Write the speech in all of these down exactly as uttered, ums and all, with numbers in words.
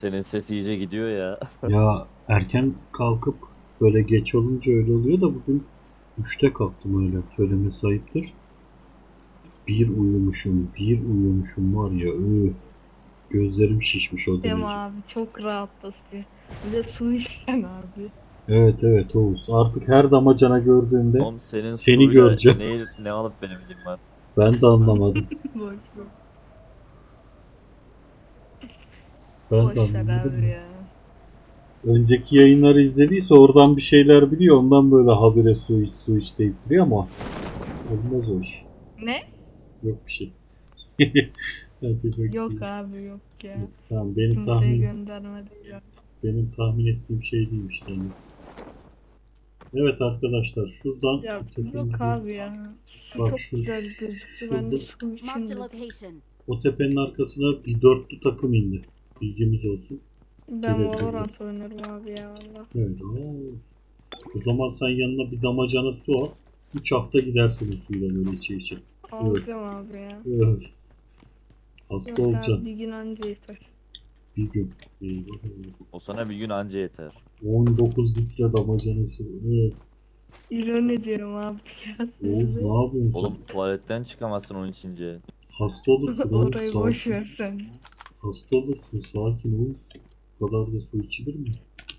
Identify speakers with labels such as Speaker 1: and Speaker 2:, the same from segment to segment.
Speaker 1: Senin ses iyice gidiyor ya.
Speaker 2: Ya erken kalkıp böyle geç olunca öyle oluyor da bugün üçte kalktım öyle söylemesi ayıptır. Bir uyumuşum, bir uyumuşum var ya öf. Gözlerim şişmiş o
Speaker 3: Dem
Speaker 2: derece.
Speaker 3: abi çok rahatlatıyor. Bir de su içsen abi.
Speaker 2: Evet evet Oğuz. Artık her damacana gördüğümde
Speaker 1: Oğlum senin
Speaker 2: seni
Speaker 1: suyla
Speaker 2: göreceğim.
Speaker 1: ne, ne alıp benim var.
Speaker 2: Ben de anlamadım.
Speaker 3: Boş ver.
Speaker 2: Ben de
Speaker 3: Boş ver abi
Speaker 2: anlamadım.
Speaker 3: ya.
Speaker 2: Önceki yayınları izlediyse oradan bir şeyler biliyor. Ondan böyle habire su iç su iç deyip duruyor ama olmaz o iş.
Speaker 3: Ne?
Speaker 2: Yok bir şey. Hadi
Speaker 3: Yok
Speaker 2: bakayım.
Speaker 3: abi yok ya.
Speaker 2: Tamam benim
Speaker 3: Kimseye
Speaker 2: tahmin
Speaker 3: göndermedi ya.
Speaker 2: benim tahmin ettiğim şey değilmiş yani. Evet arkadaşlar şuradan
Speaker 3: Ya
Speaker 2: o tepenin
Speaker 3: yok
Speaker 2: bir-
Speaker 3: abi ya. Su
Speaker 2: bak
Speaker 3: çok
Speaker 2: şu
Speaker 3: güzel gözüktü. Ben de
Speaker 2: şurada
Speaker 3: su için
Speaker 4: Marked a
Speaker 3: dedim.
Speaker 4: location.
Speaker 2: o tepenin arkasına bir dörtlü takım indi. Bilgimiz olsun.
Speaker 3: Ben
Speaker 2: Direkt
Speaker 3: Valorant oynarım abi ya valla.
Speaker 2: evet. Oo. O zaman sen yanına bir damacana su al. üç hafta gidersin o suyla böyle içe içe. Evet.
Speaker 3: Alacağım abi ya.
Speaker 2: Evet. Hasta
Speaker 3: Yok abi
Speaker 2: olacaksın
Speaker 3: bir gün anca yeter.
Speaker 2: bir gün. Eyvah, eyvah.
Speaker 1: O sana bir gün anca yeter.
Speaker 2: on dokuz litre damacana su. Evet.
Speaker 3: İroni diyorum abi ya.
Speaker 2: Oğuz ne yapıyorsun sen?
Speaker 1: Oğlum tuvaletten çıkamazsın onun içince.
Speaker 2: Hasta olursun Oğuz
Speaker 3: Orayı boş
Speaker 2: sakin.
Speaker 3: ver sen.
Speaker 2: Hasta olursun sakin Oğuz. Bu kadar da su içilir mi?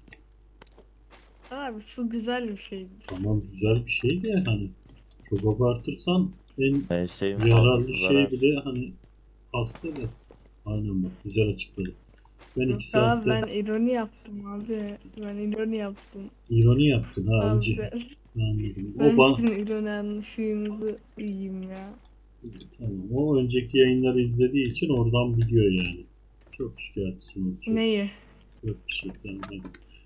Speaker 3: Abi su güzel bir şeydir.
Speaker 2: Tamam güzel bir şey de hani çok abartırsan en
Speaker 1: Her şeyin
Speaker 2: yararlı
Speaker 1: fazlası
Speaker 2: şey
Speaker 1: zarar.
Speaker 2: bile hani hasta da. Aynen bak güzel açıkladı. Ben
Speaker 3: Yok
Speaker 2: iki
Speaker 3: abi
Speaker 2: saatte
Speaker 3: ben ironi yaptım abi. Ben ironi yaptım.
Speaker 2: ironi yaptın ha
Speaker 3: Abi
Speaker 2: önce.
Speaker 3: ben,
Speaker 2: Anladım. O
Speaker 3: ben
Speaker 2: bana
Speaker 3: sizin ironi anlaşığınızı yiyeyim ya.
Speaker 2: tamam. O önceki yayınları izlediği için oradan biliyor yani. Çok şikayetçisin. Çok,
Speaker 3: Neyi?
Speaker 2: yok bir şey tamam.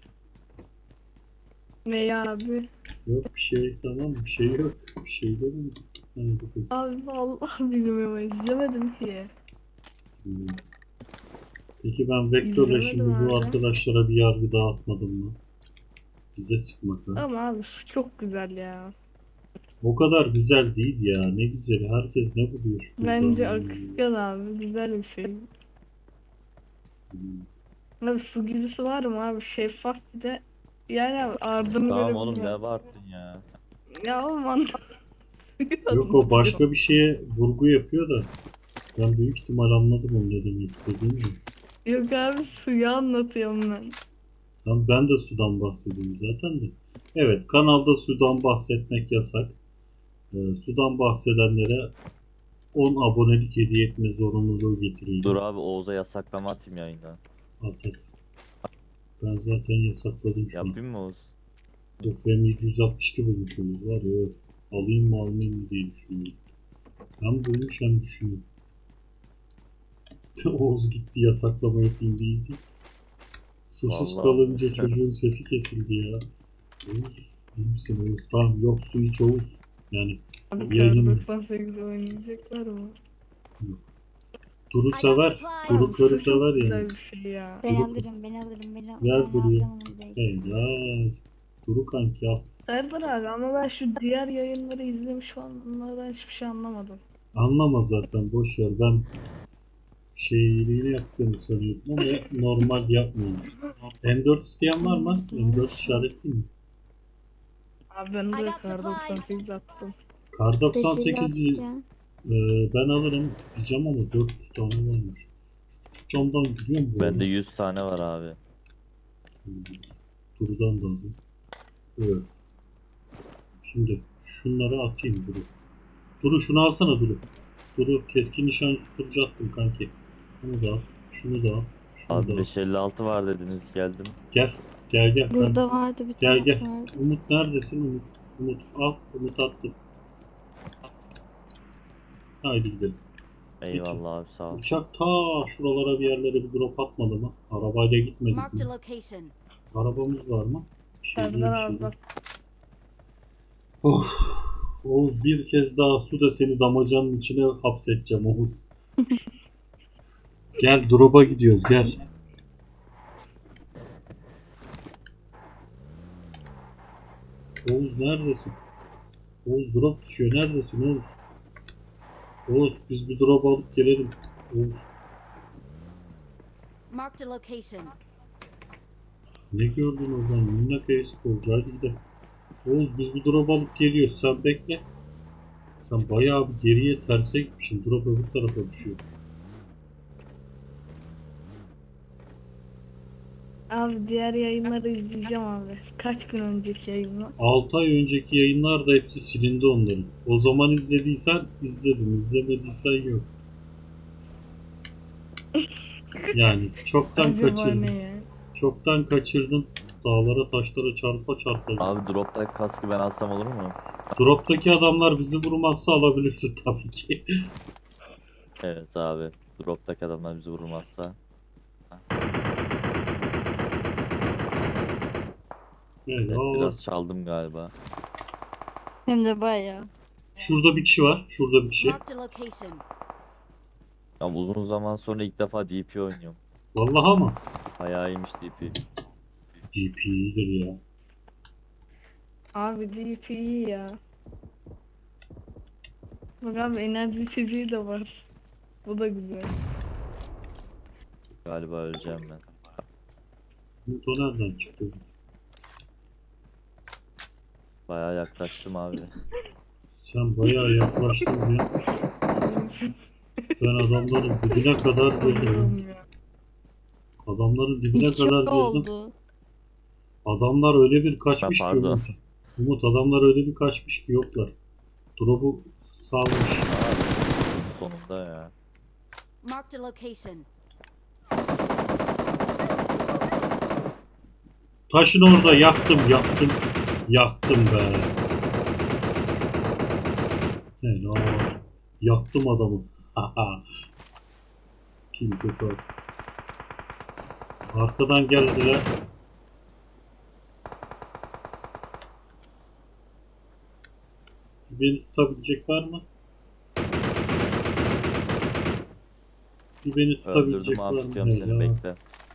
Speaker 3: Neyi abi?
Speaker 2: Yok bir şey tamam bir şey yok. Bir şey dedim. Hadi bakalım.
Speaker 3: Abi vallahi bilmiyorum izlemedim ki.
Speaker 2: Hmm. Peki ben Vektör'le
Speaker 3: İzlemedim
Speaker 2: şimdi bu
Speaker 3: abi.
Speaker 2: arkadaşlara bir yargı dağıtmadım mı? Bize sıkmak ha.
Speaker 3: Ama abi su çok güzel ya.
Speaker 2: O kadar güzel değil ya. Ne güzeli. Herkes ne buluyor şu kızdan
Speaker 3: Bence
Speaker 2: ya.
Speaker 3: akışkan abi güzel bir şey.
Speaker 2: Hmm.
Speaker 3: Abi su gibisi var mı abi şeffaf bir de. Yani abi ardını
Speaker 1: Tamam oğlum ne
Speaker 3: görebiliyorum.
Speaker 1: abarttın ya.
Speaker 3: Ya oğlum anlatıyor.
Speaker 2: Yok o başka bir şeye vurgu yapıyor da. Ben büyük ihtimal anladım onu ne demek istediğini. de.
Speaker 3: Yok abi suyu anlatıyorum ben.
Speaker 2: Tamam ben de sudan bahsediyorum zaten de. Evet kanalda sudan bahsetmek yasak. Ee, sudan bahsedenlere on abonelik hediye etme zorunluluğu getiriyor.
Speaker 1: Dur abi Oğuz'a yasaklama atayım yayından.
Speaker 2: At at. Ben zaten yasakladım şu an.
Speaker 1: Yapayım mı Oğuz?
Speaker 2: Of hem yedi yüz altmış iki bulmuşumuz var ya. Öf. Alayım mı almayayım mı diye düşünüyorum. Hem bulmuş hem düşünüyorum. Oğuz gitti yasaklama yapayım deyince. Susuz
Speaker 1: Vallahi.
Speaker 2: kalınca çocuğun sesi kesildi ya. Oğuz iyi misin Oğuz? Tamam yok su iç Oğuz. Yani
Speaker 3: Abi
Speaker 2: yayın
Speaker 3: doksan sekiz oynayacaklar mı?
Speaker 2: Duru
Speaker 4: I got
Speaker 2: sever.
Speaker 4: supplies.
Speaker 2: Duru
Speaker 3: Abi
Speaker 2: karı
Speaker 3: su çok
Speaker 2: sever
Speaker 3: güzel
Speaker 2: yani.
Speaker 3: bir şey ya.
Speaker 5: Ben
Speaker 2: Duru-
Speaker 5: alırım, ben alırım, ben, al-
Speaker 2: Ver
Speaker 5: ben
Speaker 2: Duru'ya.
Speaker 5: alacağım onu direkt.
Speaker 2: Helal. Duru kanki al.
Speaker 3: Serdar abi ama ben şu diğer yayınları izlemiş falan bunlardan hiçbir şey anlamadım.
Speaker 2: Anlama zaten boş ver. Ben şeyliğini yaptığını sanıyordum ama normal yapmıyormuş. M dört isteyen var mı? M dört işaretliyim mi?
Speaker 3: Abi ben
Speaker 4: I
Speaker 3: de
Speaker 4: got
Speaker 3: kar doksan
Speaker 4: supplies.
Speaker 3: sekiz attım.
Speaker 2: Kar doksan sekizi
Speaker 5: ya.
Speaker 2: e, ben alırım diyeceğim ama dört yüz tane varmış. Şu camdan gidiyor mu bu
Speaker 1: Bende
Speaker 2: arada?
Speaker 1: yüz tane var abi.
Speaker 2: Duru'dan da aldım. Evet. Şimdi şunları atayım Duru. Duru şunu alsana Duru. Duru keskin nişan tutucu attım kanki. Bunu da al. Şunu da al. Şunu
Speaker 1: Abi
Speaker 2: da al.
Speaker 1: beş elli altı var dediniz geldim.
Speaker 2: Gel. Gel gel. Ben-
Speaker 5: Burada vardı bir
Speaker 2: Gel
Speaker 5: tane
Speaker 2: gel.
Speaker 5: vardı.
Speaker 2: Umut neredesin Umut? Umut al. Umut attım. Haydi gidelim.
Speaker 1: Eyvallah abi sağ ol.
Speaker 2: Uçak ta şuralara bir yerlere bir drop atmadı mı? Arabayla gitmedik
Speaker 4: Marked
Speaker 2: mi?
Speaker 4: a location.
Speaker 2: Arabamız var mı? Bir şey değil,
Speaker 3: Serdar
Speaker 2: bir şey
Speaker 3: abi
Speaker 2: değil.
Speaker 3: bak
Speaker 2: Of. Oğuz bir kez daha su da seni damacanın içine hapsedeceğim Oğuz. Gel drop'a gidiyoruz gel. Oğuz neredesin? Oğuz drop düşüyor. Neredesin Oğuz? Oğuz biz bir drop alıp gelelim. Oğuz.
Speaker 4: Marked a location.
Speaker 2: Ne gördün oradan? Minnak e-sporcu. Hadi gidelim. Oğuz biz bu drop alıp geliyoruz. Sen bekle. Sen bayağı bir geriye terse gitmişsin. Drop öbür tarafa düşüyor.
Speaker 3: Abi diğer yayınları izleyeceğim abi. Kaç gün önceki yayınlar?
Speaker 2: altı ay önceki yayınlar da hepsi silindi onların. O zaman izlediysen izledim. İzlemediysen yok. Yani çoktan
Speaker 3: Acaba
Speaker 2: kaçırdın.
Speaker 3: ne ya?
Speaker 2: Çoktan kaçırdın. Dağlara taşlara çarpa çarpa.
Speaker 1: Abi drop'taki kaskı ben alsam olur mu?
Speaker 2: Drop'taki adamlar bizi vurmazsa alabilirsin tabii ki.
Speaker 1: Evet abi. Drop'taki adamlar bizi vurmazsa.
Speaker 2: Evet,
Speaker 1: Evet,
Speaker 2: aa,
Speaker 1: biraz çaldım galiba.
Speaker 4: Hem de bayağı.
Speaker 2: şurada bir kişi var. Şurada bir kişi.
Speaker 4: Marked a location.
Speaker 1: Ya uzun zaman sonra ilk defa D P oynuyorum.
Speaker 2: Vallahi ama.
Speaker 1: Bayağı iyiymiş D P.
Speaker 2: D P iyidir ya.
Speaker 3: Abi D P iyi ya. Bak abi enerji içeceği de var. Bu da güzel.
Speaker 1: Galiba öleceğim ben.
Speaker 2: Bu da nereden çıktı?
Speaker 1: Bayağı yaklaştım abi.
Speaker 2: Sen bayağı yaklaştın ya. Ben adamların dibine kadar girdim.
Speaker 3: Allah'ım ya.
Speaker 2: Adamların dibine
Speaker 4: İki
Speaker 2: kadar girdim.
Speaker 4: oldu.
Speaker 2: Adamlar öyle bir kaçmış
Speaker 1: Ha,
Speaker 2: ki
Speaker 1: pardon.
Speaker 2: Umut. Umut adamlar öyle bir kaçmış ki yoklar. Drop'u salmış.
Speaker 1: Abi, sonunda ya.
Speaker 4: Marked a location.
Speaker 2: Taşın orada yaktım yaktım. Yaktım be. Helal. Yaktım adamı. Haha. Kim kötü. Arkadan geldiler. Beni tutabilecek var mı? Bir beni tutabilecek
Speaker 1: Öldürdüm
Speaker 2: var
Speaker 1: abi,
Speaker 2: mı?
Speaker 1: tutuyorum seni,
Speaker 2: Helal.
Speaker 1: bekle.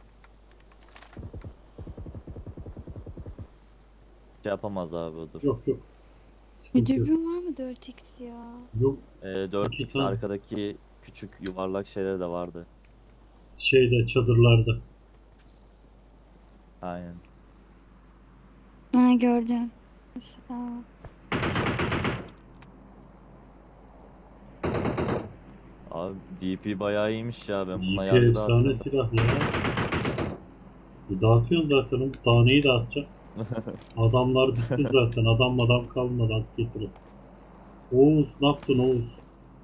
Speaker 1: Şey yapamaz abi o dur.
Speaker 2: Yok yok.
Speaker 4: Bir
Speaker 2: Sıkıntı yok.
Speaker 4: dürbün var mı dört x ya?
Speaker 2: Yok
Speaker 1: Ee, dört
Speaker 2: İki
Speaker 1: x
Speaker 2: tane.
Speaker 1: arkadaki küçük yuvarlak şeyler de vardı.
Speaker 2: şeyde çadırlarda.
Speaker 1: Aynen.
Speaker 4: Ha gördüm. Sağ ol.
Speaker 1: Abi D P bayağı iyiymiş ya, ben bununla
Speaker 2: D P
Speaker 1: yargı
Speaker 2: efsane
Speaker 1: dağıtırım.
Speaker 2: silah ya. E dağıtıyorsun zaten onu. Daha neyi dağıtacaksın? Adamlar bitti zaten. Adam adam kalmadı. At getirin. Oğuz ne yaptın Oğuz?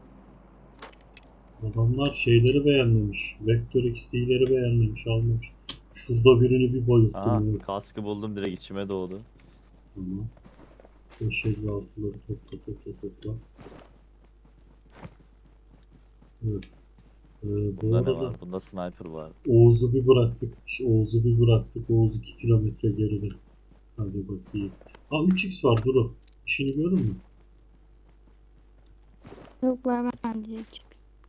Speaker 2: Adamlar şeyleri beğenmemiş. Vektör X D'leri beğenmemiş. Almamış. Şurada birini bir
Speaker 1: Aha,
Speaker 2: bayılttım. Evet.
Speaker 1: kaskı buldum, direkt içime doğdu.
Speaker 2: Tamam. beş elli altıları topla topla topla. Evet. Ee, bu
Speaker 1: Bunda ne
Speaker 2: arada
Speaker 1: var? Bunda sniper var.
Speaker 2: Oğuz'u bir bıraktık. İşte Oğuz'u bir bıraktık. Oğuz iki kilometre geride. Hadi bakayım. Aa üç x var Duru. İşini gördün mü?
Speaker 4: Yok vermem diyecek.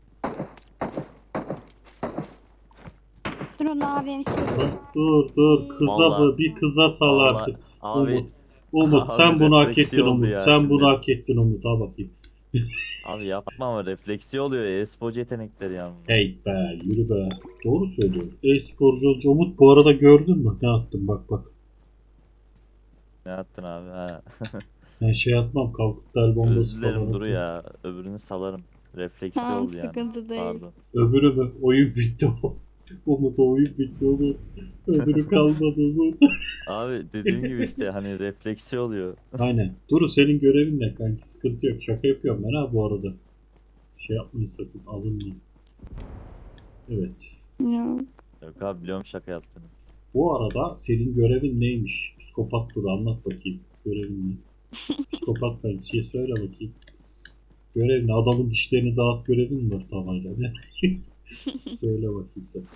Speaker 4: Dur onu abim
Speaker 2: Lan dur dur. Kıza
Speaker 1: Vallahi-
Speaker 2: bu. Bir kıza sal
Speaker 1: Vallahi-
Speaker 2: artık.
Speaker 1: Abi,
Speaker 2: Umut. Umut
Speaker 1: abi
Speaker 2: sen bunu hak
Speaker 1: refleksi
Speaker 2: ettin
Speaker 1: oldu
Speaker 2: Umut.
Speaker 1: ya
Speaker 2: Sen
Speaker 1: şimdi.
Speaker 2: bunu hak ettin Umut. Ha bakayım.
Speaker 1: abi yapma ama refleksi oluyor. E-sporcu yetenekleri yani.
Speaker 2: Hey be yürü be. Doğru söylüyor. E-sporcu olunca Umut bu arada gördün mü? Ne attım bak bak.
Speaker 1: Ne yaptın abi? Ha.
Speaker 2: Ben şey atmam. Kalkıp da el bombası
Speaker 1: Özür dilerim
Speaker 2: falan
Speaker 1: Duru
Speaker 2: atmam.
Speaker 1: ya. Öbürünü salarım. Refleksi
Speaker 4: Tamam,
Speaker 1: oldu yani.
Speaker 4: sıkıntı değil.
Speaker 1: Pardon.
Speaker 2: Öbürü mü? Oyun bitti o. Umut o oyun bitti Umut. Öbürü kalmadı Umut.
Speaker 1: Abi dediğim gibi işte hani refleksi oluyor.
Speaker 2: Aynen. Duru senin görevin ne kanki? Sıkıntı yok. Şaka yapıyorum ben ha bu arada. Şey yapmayın sakın. Alınmayın. Evet.
Speaker 4: Yok.
Speaker 1: Yok abi, biliyorum şaka yaptığını.
Speaker 2: Bu arada senin görevin neymiş? Psikopat Duru anlat bakayım. Görevin ne? Psikopat kankiye söyle bakayım. Görev ne? Adamın dişlerini dağıt görevin mi var tavayla ne? Söyle bakayım sen.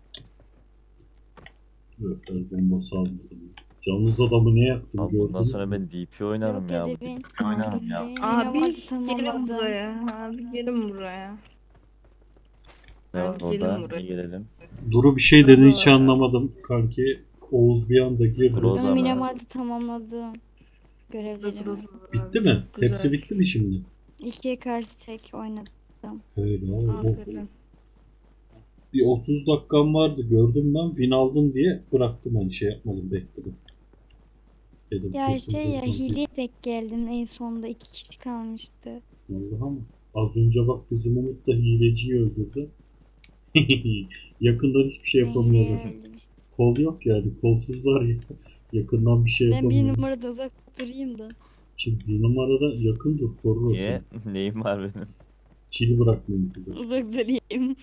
Speaker 2: Evet, el bombası almadım. Yalnız adamı ne yaktım
Speaker 1: Abi
Speaker 2: gördün
Speaker 1: bundan
Speaker 2: mü?
Speaker 1: sonra ben D P oynarım
Speaker 4: Yok
Speaker 1: ya. Bu
Speaker 4: edebin.
Speaker 1: D P oynarım ya.
Speaker 3: Abi
Speaker 4: Abi
Speaker 3: gelin
Speaker 4: tamamladım.
Speaker 3: buraya. Abi gelin buraya.
Speaker 1: Ne var
Speaker 3: Abi
Speaker 1: orada?
Speaker 3: gelin
Speaker 1: Ne
Speaker 3: buraya.
Speaker 1: gelelim?
Speaker 2: Duru bir şey dedi hiç anlamadım kanki. Oğuz bir anda girdi.
Speaker 1: Dur o
Speaker 4: Ben
Speaker 1: zaman.
Speaker 4: Miramar'da tamamladım. Görevlerimi.
Speaker 2: Bitti mi?
Speaker 3: Güzel.
Speaker 2: Hepsi bitti mi şimdi?
Speaker 4: İkiye karşı tek oynadım.
Speaker 2: Öyle abi.
Speaker 3: Aferin.
Speaker 2: Bir otuz dakikam vardı, gördüm ben, win aldım diye bıraktım, hani şey yapmadım, bekledim. Dedim
Speaker 4: Ya
Speaker 2: kesin
Speaker 4: şey ya
Speaker 2: buradan bir-
Speaker 4: hileye denk geldim en sonunda iki kişi kalmıştı.
Speaker 2: Vallahi mı? Az önce bak bizim Umut da hileciyi öldürdü. Yakından hiçbir şey
Speaker 4: Ben
Speaker 2: yapamıyorlar.
Speaker 4: hileye öldüm işte.
Speaker 2: Kol yok yani, kolsuzlar ya. Yakından bir şey
Speaker 4: Ben bir
Speaker 2: yapamıyorlar.
Speaker 4: numarada uzak durayım da.
Speaker 2: Şimdi bir numarada yakın dur, korur o
Speaker 1: Niye?
Speaker 2: seni.
Speaker 1: Neyim var benim?
Speaker 2: Kili bırakmayın kıza.
Speaker 4: Uzak durayım.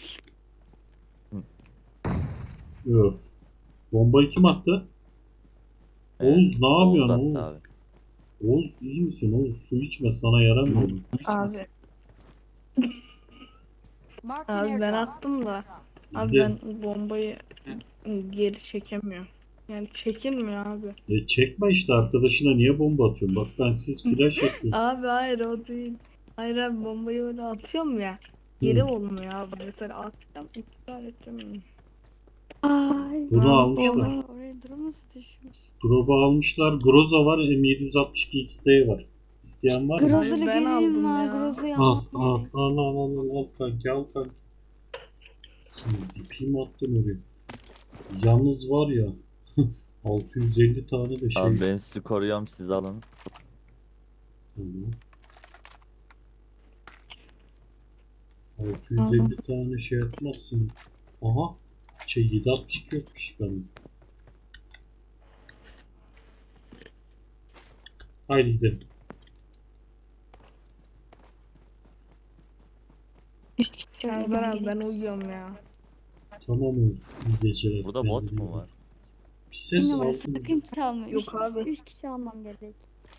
Speaker 2: Öf. Bombayı kim attı?
Speaker 1: Evet,
Speaker 2: Oğuz ne
Speaker 1: Oğuz
Speaker 2: yapıyorsun
Speaker 1: attı
Speaker 2: Oğuz?
Speaker 1: abi.
Speaker 2: Oğuz iyi misin Oğuz? Su içme, sana yaramıyor. bu.
Speaker 3: Abi,
Speaker 5: Marked an
Speaker 3: abi ben
Speaker 5: airdrop.
Speaker 3: attım da. Abi
Speaker 2: Bir de-
Speaker 3: ben bombayı geri çekemiyorum. Yani çekilmiyor abi.
Speaker 2: E çekme işte, arkadaşına niye bomba atıyorsun? Bak ben siz flash yapıyorum.
Speaker 3: Abi hayır o değil. Hayır abi bombayı öyle atıyorum ya. Geri
Speaker 2: Hı.
Speaker 3: olmuyor abi. Mesela atacağım iptal edeceğim.
Speaker 4: Ay.
Speaker 2: Bunu
Speaker 3: Ne
Speaker 2: almışlar.
Speaker 3: yapıyorlar?
Speaker 4: Oha, oraya drone nasıl düşmüş?
Speaker 2: Drop'u almışlar. Groza var. M yedi yüz altmış iki X D var. İsteyen var mı?
Speaker 4: Groza'lı
Speaker 3: Abi ben aldım
Speaker 4: görevim var.
Speaker 3: ya.
Speaker 4: Groza'yı
Speaker 2: Al
Speaker 4: almam
Speaker 2: al
Speaker 4: gerek.
Speaker 2: al al al al al kanki, al kanki. İpi mi attın oraya? Yalnız var ya altı yüz elli tane de şey.
Speaker 1: Abi ben sizi koruyorum, siz alın.
Speaker 2: Tamam. altı yüz elli tane şey atmazsın. Aha. Şey yedi altmış iki yokmuş benim. Haydi gidelim.
Speaker 4: Üç kişi
Speaker 3: Serdar
Speaker 4: ölmem
Speaker 3: abi ben
Speaker 4: gerek.
Speaker 3: uyuyorum ya.
Speaker 2: Tamam oğlum. İyi geceler.
Speaker 1: Burada bot
Speaker 2: Kendine iyi
Speaker 1: mu
Speaker 2: bak.
Speaker 1: var?
Speaker 2: Bir
Speaker 4: Bir
Speaker 2: ses
Speaker 4: numara
Speaker 2: aldım.
Speaker 4: sakın çalma. Üç,
Speaker 3: Yok abi.
Speaker 4: üç kişi almam gerek.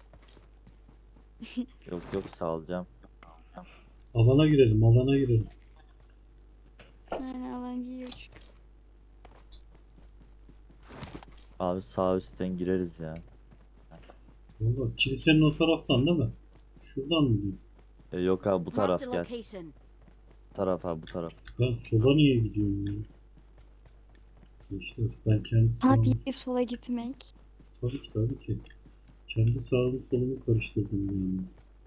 Speaker 1: Yok yok, sağlayacağım.
Speaker 2: Alana girelim, alana girelim.
Speaker 4: Aynen alancı yiyor çünkü.
Speaker 1: Abi sağ üstten gireriz ya.
Speaker 2: Valla kilisenin o taraftan değil mi? Şuradan mı diyeyim?
Speaker 1: E, yok abi bu taraf
Speaker 5: Marked a
Speaker 1: gel.
Speaker 5: location.
Speaker 1: Bu taraf abi, bu taraf.
Speaker 2: Ben sola niye gidiyorum ya? Gençler ben kendi sağımı...
Speaker 4: Tabii sola gitmek.
Speaker 2: Tabii ki tabii ki. Kendi sağımı solumu karıştırdım yani.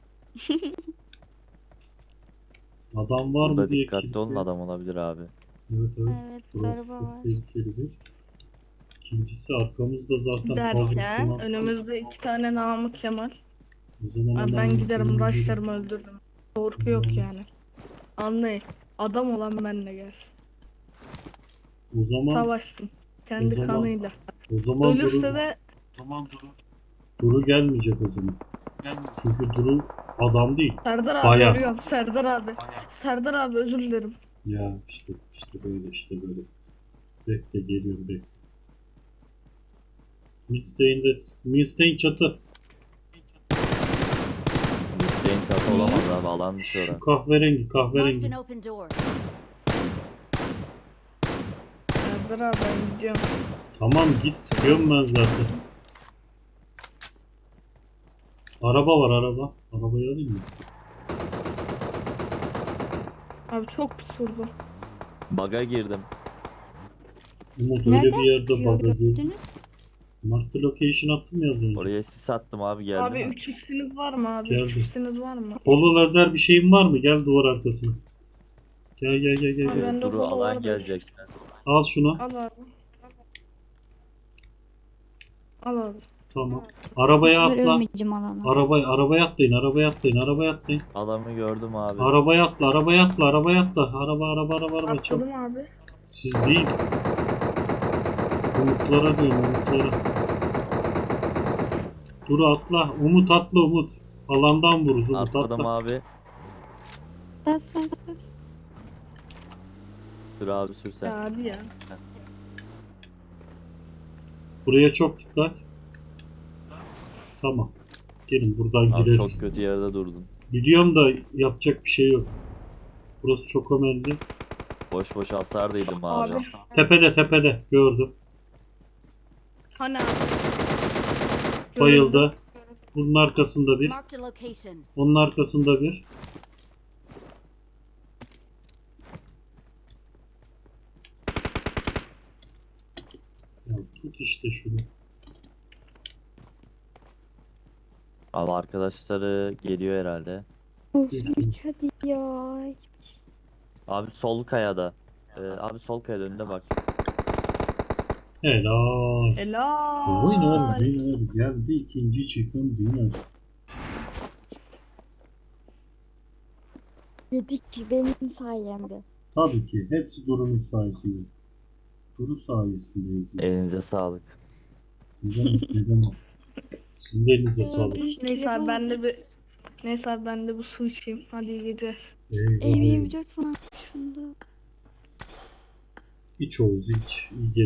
Speaker 2: Adam var
Speaker 1: Burada
Speaker 2: mı diye
Speaker 1: dikkatli
Speaker 2: kilise-
Speaker 1: olun, adam olabilir abi.
Speaker 2: Evet evet.
Speaker 4: Evet
Speaker 2: Burası
Speaker 4: araba
Speaker 2: çok
Speaker 4: var.
Speaker 2: tehlikeli bir. İkincisi arkamızda zaten
Speaker 3: Derken
Speaker 2: cover
Speaker 3: önümüzde iki tane Namık Kemal.
Speaker 2: O zaman
Speaker 3: Abi ben
Speaker 2: hemen
Speaker 3: giderim
Speaker 2: gidelim.
Speaker 3: rushlarımı öldürürüm. Korku yok yani. Anlayın. Adam olan benle gel.
Speaker 2: O zaman
Speaker 3: Savaşsın. Kendi
Speaker 2: O zaman-
Speaker 3: kanıyla.
Speaker 2: o zaman
Speaker 3: Ölürse
Speaker 2: Duru,
Speaker 3: de
Speaker 2: Duru gelmeyecek o zaman. Çünkü Duru adam değil.
Speaker 3: Serdar abi
Speaker 2: Bayağı.
Speaker 3: ölüyorum. Serdar abi. Serdar abi özür dilerim.
Speaker 2: Ya işte işte böyle işte böyle. Bekle geliyorum bekle. Midstay'inde Midstay'in çatı.
Speaker 1: Müsteğin çatı olamaz abi, alan dışı
Speaker 2: Şu
Speaker 1: orası.
Speaker 2: kahverengi
Speaker 5: Marked
Speaker 2: kahverengi.
Speaker 5: an open door.
Speaker 3: Serdar abi ben gidiyorum.
Speaker 2: Tamam git, sıkıyorum ben zaten. Araba var araba. Arabayı alayım mı?
Speaker 3: Abi çok pis vurdu.
Speaker 1: Baga girdim.
Speaker 2: Umut öyle
Speaker 4: Nereden
Speaker 2: bir yerde
Speaker 4: sıkıyor
Speaker 2: bug'a girdi.
Speaker 4: gördünüz?
Speaker 2: Mark the location attım ya az önce.
Speaker 1: Oraya sis attım abi, geldi
Speaker 3: Abi
Speaker 1: mi?
Speaker 3: üç x'iniz var mı abi?
Speaker 2: Geldi.
Speaker 3: üç x'iniz var mı?
Speaker 2: Polo lazer bir şeyin var mı? Gel duvar arkasına. Gel gel gel gel.
Speaker 3: Abi
Speaker 2: gel.
Speaker 3: ben de
Speaker 1: Duru
Speaker 3: polo
Speaker 1: alan
Speaker 3: var.
Speaker 1: gelecek.
Speaker 2: Al şunu.
Speaker 3: Al abi. Al abi.
Speaker 2: Tamam. Arabaya
Speaker 4: Bu sefer
Speaker 2: atla.
Speaker 4: ölmeyeceğim alana.
Speaker 2: Arabaya arabaya atlayın. Arabaya atlayın. Arabaya atlayın.
Speaker 1: Adamı gördüm abi.
Speaker 2: Arabaya atla. Arabaya atla. Arabaya atla. Araba araba araba araba çabuk.
Speaker 3: Atladım abi.
Speaker 2: Siz değil. Umutlara diyorum, umutlara. Dur atla. Umut atla Umut. Alandan vururuz Umut
Speaker 1: Atladım
Speaker 2: atla.
Speaker 1: abi.
Speaker 4: Bas bas bas.
Speaker 1: Dur abi, sür sen.
Speaker 3: Ya hadi ya.
Speaker 2: Buraya çok dikkat. Tamam. Gelin buradan
Speaker 1: Abi
Speaker 2: gireriz.
Speaker 1: çok kötü yerde durdun.
Speaker 2: Biliyorum da yapacak bir şey yok. Burası çok önemli.
Speaker 1: Boş boş hasar değildim abi.
Speaker 3: Abi.
Speaker 2: Tepede tepede gördüm.
Speaker 3: Hani abi.
Speaker 2: Bayıldı. Bunun arkasında bir.
Speaker 5: Marked a location.
Speaker 2: Onun arkasında bir. Ya tut işte şunu.
Speaker 1: Abi arkadaşları geliyor herhalde.
Speaker 4: Of üç hadi ya.
Speaker 1: Abi sol kayada. Ee, abi sol kayada önünde bak.
Speaker 2: Helal.
Speaker 3: Helal.
Speaker 2: Winner winner geldi ikinci çıkın winner.
Speaker 4: Dedik ki benim sayemde.
Speaker 2: Tabii ki hepsi Duru'nun sayesinde. Duru sayesindeyiz. ya.
Speaker 1: Elinize sağlık.
Speaker 2: Ne demek ne demek. Sizin de elinize sağlık.
Speaker 3: Neyse abi ben de bir Neyse abi ben de bu su içeyim. Hadi iyi geceler.
Speaker 2: Eyvallah.
Speaker 4: Ev yirmi dört falan şunda.
Speaker 2: İç Oğuz iç. İyi geceler.